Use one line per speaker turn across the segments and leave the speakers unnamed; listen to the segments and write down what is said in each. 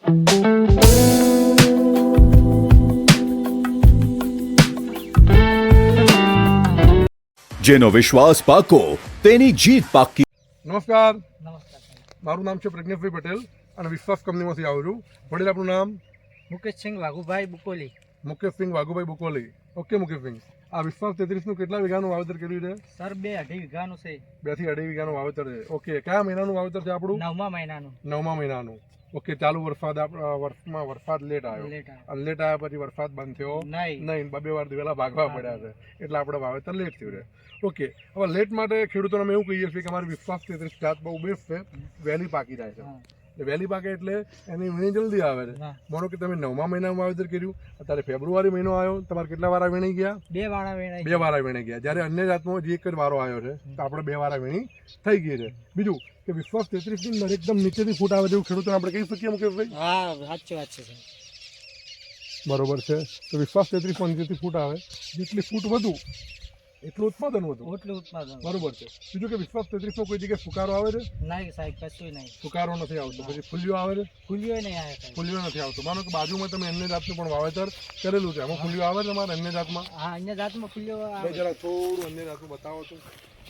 જેનો વિશ્વાસ પાકો તેની જીત પાકી.
નમસ્કાર, મારું નામ છે પ્રજ્ઞેશભાઈ પટેલ અને વિશ્વાસ કંપનીમાંથી આવું છું. વડીલ આપનું નામ?
મુકેશસિંહ વાઘુભાઈ બુકોલી.
મુકેશસિંહ વાઘુભાઈ બુકોલી. ઓકે મુકેશસિંહ, આ વિશ્વાસ 33નું કેટલા વીઘાનું વાવેતર કર્યું છે?
સર 2-2.5 વીઘાનું છે.
2 થી 2.5 વીઘાનું વાવેતર છે. ઓકે, કયા મહિનાનું વાવેતર છે આપણું?
9મા મહિનાનું.
9મા મહિનાનું. ઓકે, ચાલુ વર્ષમાં વરસાદ લેટ આવ્યો અને લેટ આવ્યા પછી વરસાદ બંધ થયો નહીં, 2 વાર દિવેલા ભાગવા પડ્યા છે એટલે આપણે વાવેતર લેટ થયું છે. ઓકે, હવે લેટ માટે ખેડૂતોને અમે એવું કહીએ છીએ કે અમારી વિશ્વાસ 33 જાત બહુ બેસ્ટ છે, વહેલી પાકી જાય છે. વહેલી પાકે એટલે એની વીણી જલ્દી આવે છે. માનો કે તમે 9મા મહિનામાં વાવેતર કર્યું, અત્યારે ફેબ્રુઆરી મહિનો આવ્યો, તમારે કેટલા વારા વીણી ગયા?
2 વારા વીણાઈ.
2 વારા વીણી ગયા. જ્યારે અન્ય જાતમાં જે એક જ વારો આવ્યો છે તો આપણે 2 વારા વીણી થઈ ગઈ છે. બીજું કે વિશ્વાસ 33 ની એકદમ નીચેથી ફૂટ આવે તેવું ખેડૂતોને આપણે કહી શકીએ મુકેશભાઈ?
હા, સાચી વાત છે.
બરોબર છે. તો વિશ્વાસ 33 માં નીચેથી ફૂટ આવે, જેટલી ફૂટ વધુ એટલું ઉત્પાદન વધુ. બરોબર છે. બીજું કે વિશ્વાસ 33 માં કોઈ જગ્યાએ ફુકારો આવે છે?
નહીં સાહેબ, કશું નહીં.
ફુકારો નથી આવતો. પછી ફૂલ્યો આવે છે?
ફૂલ્યો નહીં આવે.
ફૂલ્યો નથી આવતો. માનો કે બાજુમાં તમે અન્ય જાતનું પણ વાવેતર કરેલું છે, એમાં ફૂલ્યો આવે છે તમારે અન્ય જાતમાં?
હા, અન્ય જાતમાં ફૂલ્યો આવે.
જરા થોડું અન્ય જાતનું બતાવો તો.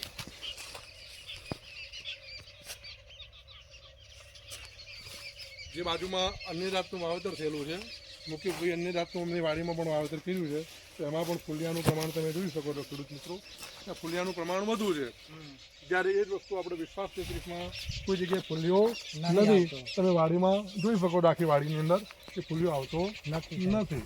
જે બાજુમાં અન્ય જાતનું વાવેતર થયેલું છે, મુકેશભાઈ અન્ય જાતનું અમની વાડીમાં પણ વાવેતર કર્યું છે, તો એમાં પણ ફૂલિયાનું પ્રમાણ તમે જોઈ શકો છો ખેડૂત મિત્રો. ફૂલિયાનું પ્રમાણ વધુ છે. જ્યારે એ જ વસ્તુ આપણે વિશ્વાસ 33માં કોઈ જગ્યાએ ફૂલ્યો નથી. તમે વાડીમાં જોઈ શકો છો આખી વાડીની અંદર કે ફૂલ્યો આવતો નથી.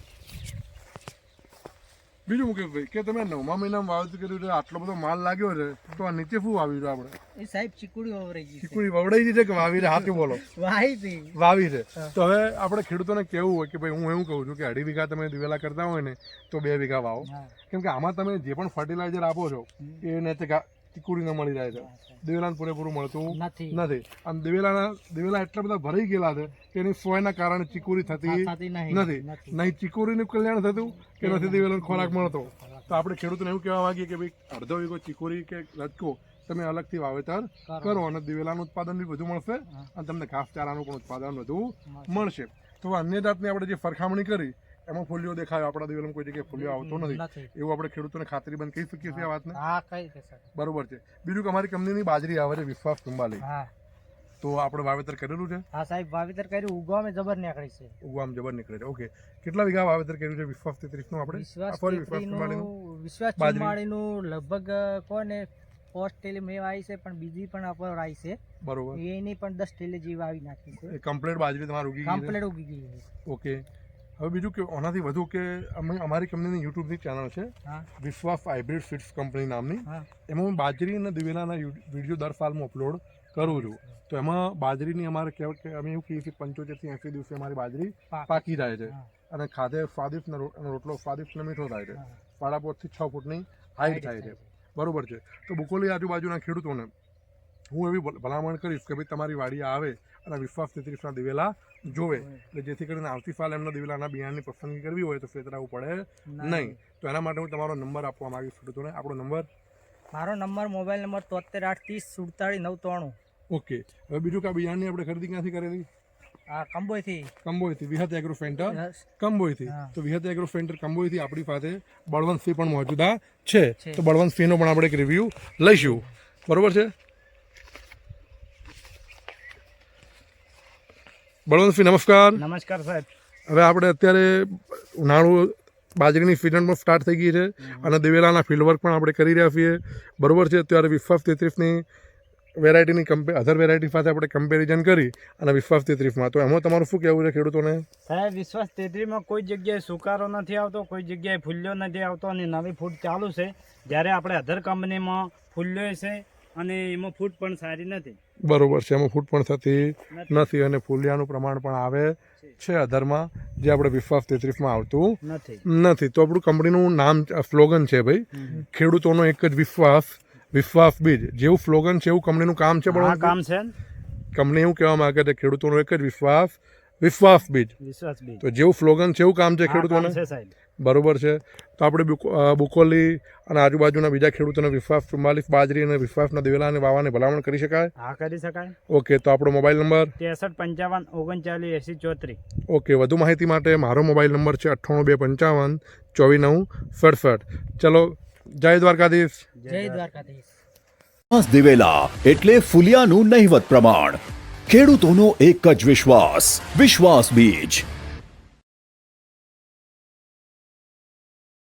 બીજું મુકેશભાઈ કે તમે 9મા મહિનામાં વાવેતર કર્યું છે, આટલો બધો માલ લાગ્યો છે, તો આ નીચે શું વાવ્યું છે આપણે?
એ સાહેબ ચીકુડી વવરાઈ ગઈ.
ચીકુડી વવડાઈ ગઈ છે કે વાવી છે? હાથી બોલો. વાવી છે. તો હવે આપણે ખેડૂતોને કેવું હોય કે ભાઈ, હું એવું કહું છું કે 2.5 વીઘા તમે દિવેલા કરતા હોય ને તો 2 વીઘા વાવો, કેમ કે આમાં તમે જે પણ ફર્ટિલાઇઝર આપો છો એને ચીકુડીને મળી જાય છે, દિવેલાને પૂરેપૂરું મળતું નથી. આમ દિવેલા એટલા બધા ભરાઈ ગયેલા છે કે એની સોયના કારણે ચીકુરી થતી નથી. નહીં ચીકુરીનું કલ્યાણ થતું કે નથી દિવેલાનો ખોરાક મળતો. તો આપણે ખેડૂતોને એવું કહેવા માંગીએ કે ભાઈ, અડધો વીઘો ચીકુરી કે રચકો તમે અલગથી વાવેતર કરો અને દિવેલાનું ઉત્પાદન બી વધુ મળશે અને તમને ઘાસચારાનું પણ ઉત્પાદન વધુ મળશે. તો અન્ય જાતની આપણે જે સરખામણી કરી એમાં ફૂલ્યો દેખાયો, આપણા દિવેલામાં કોઈ જગ્યાએ ફૂલ્યો આવતો નથી, એવું આપણે ખેડૂતોને ખાતરીબંધ કહી શકીએ છીએ આ વાતને? બરોબર છે. બીજું કે અમારી કંપનીની બાજરી આવે છે વિશ્વાસ કુંબાલી, તો આપણે વાવેતર કરેલું છે?
હા સાહેબ, વાવેતર કર્યું. ઉગવામાં જબર નીકળી છે.
ઉગવામાં જબર નીકળે છે. ઓકે, કેટલા વીઘા વાવેતર કર્યું છે વિશ્વાસ 33નું આપણે?
વિશ્વાસ 34નું લગભગ કોને 5 ટેલી મેં આવી છે, પણ બીજી પણ અપર આવી છે.
બરોબર.
એની પણ 10 ટેલી જેવી આવી નાખી છે.
કમ્પ્લીટ બાજરી તમારી ઉગી ગઈ? ઓકે. હવે બીજું કે આનાથી વધુ કે અમારી કંપનીની યુટ્યુબની ચેનલ છે વિશ્વાસ હાઇબ્રિડ સીડ્સ કંપની નામની, એમાં હું બાજરી અને દિવેલાના વિડીયો દર સાલમાં અપલોડ કરું છું. તો એમાં બાજરીની અમારે કહેવાય કે અમે એવું કહીએ કે 75 થી 80 દિવસે અમારી બાજરી પાકી જાય છે અને ખાધે સ્વાદિષ્ટ રોટલો સ્વાદિષ્ટ અને મીઠો થાય છે. 5.5 થી 6 ફૂટની હાઈટ થાય છે. બરોબર છે. તો બુકોલી આજુબાજુના ખેડૂતોને હું એવી ભલામણ કરીશ કે ભાઈ, તમારી વાડી આવે અને વિશ્વાસ 33ના દિવેલા જોવે, એટલે જેથી કરીને આવતી સાલ એમના દિવેલાના બિયારણની પસંદગી કરવી હોય તો ફેતરાવું પડે નહીં. તો એના માટે હું તમારો નંબર આપવા માંગીશ ખેડૂતોને. આપણો નંબર?
મારો નંબર મોબાઈલ નંબર 73 830 47 993.
ઓકે. હવે બીજું કે આ બિયારણની આપણે ખરીદી ક્યાંથી કરેલી? કંબોઈથી વિહત એગ્રો સેન્ટર કંબોઈથી. તો વિહત એગ્રો સેન્ટર કંબોઈથી આપણી પાસે બળવંતસિંહ પણ મોજૂદા છે, તો બળવંતસિંહનો પણ આપણે એક રિવ્યૂ લઈશું. બરોબર છે બળવંતસિંહ? નમસ્કાર સાહેબ. હવે આપણે અત્યારે ઉનાળુ બાજરીની સિઝન પણ સ્ટાર્ટ થઈ ગઈ છે અને દિવેલાના ફિલ્ડ વર્ક પણ આપણે કરી રહ્યા છીએ. બરોબર છે. અત્યારે વિશ્વાસ 33ની વેરાયટીની અધર વેરાયટી સાથે આપણે કમ્પેરિઝન કરી અને વિશ્વાસ 33માં, તો એમાં તમારું શું કહેવું છે ખેડૂતોને?
સાહેબ, વિશ્વાસ 33માં કોઈ જગ્યાએ સુકારો નથી આવતો, કોઈ જગ્યાએ ફૂલ્યો નથી આવતો અને નવી ફૂટ ચાલુ છે. જ્યારે આપણે અધર કંપનીમાં ફૂલ્યો છે અને એમાં ફૂટ પણ સારી નથી.
બરોબર છે. એમાં ફૂટ પણ થતી નથી અને ફૂલિયાનું પ્રમાણ પણ આવે છે અધરમાં, જે આપણે વિશ્વાસ 33માં આવતું નથી. તો આપણું કંપનીનું નામ સ્લોગન છે ભાઈ, ખેડૂતોનો એક જ વિશ્વાસ બીજ. જેવું સ્લોગન છે એવું કંપનીનું કામ છે. પણ કામ છે કંપની એવું કહેવા માંગે છે ખેડૂતોનો એક જ વિશ્વાસ બીજ.
વિશ્વાસ બીજ.
તો જેવું સ્લોગન છે એવું કામ છે
આ કામ
ખેડૂતોને.
છે સાહેબ.
બરોબર છે. તો આપણે બુકોલી અને આજુબાજુના બીજા ખેડૂતોને વિશ્વાસ 44 બાજરી અને વિશ્વાસના દિવેલા અને વાવાની ભલામણ કરી શકાય.
હા કરી શકાય.
ઓકે, તો આપણો મોબાઈલ નંબર
63 55 39 80 34.
ઓકે, વધુ માહિતી માટે મારો મોબાઈલ નંબર છે 98 255 24 9 67. ચલો, જય દ્વારકાધીશ.
જય દ્વારકાધીશ.
વિશ્વાસ દિવેલા એટલે ફુલિયાનું નહિવત પ્રમાણ. ખેડૂતોનો એક જ વિશ્વાસ, વિશ્વાસ બીજ.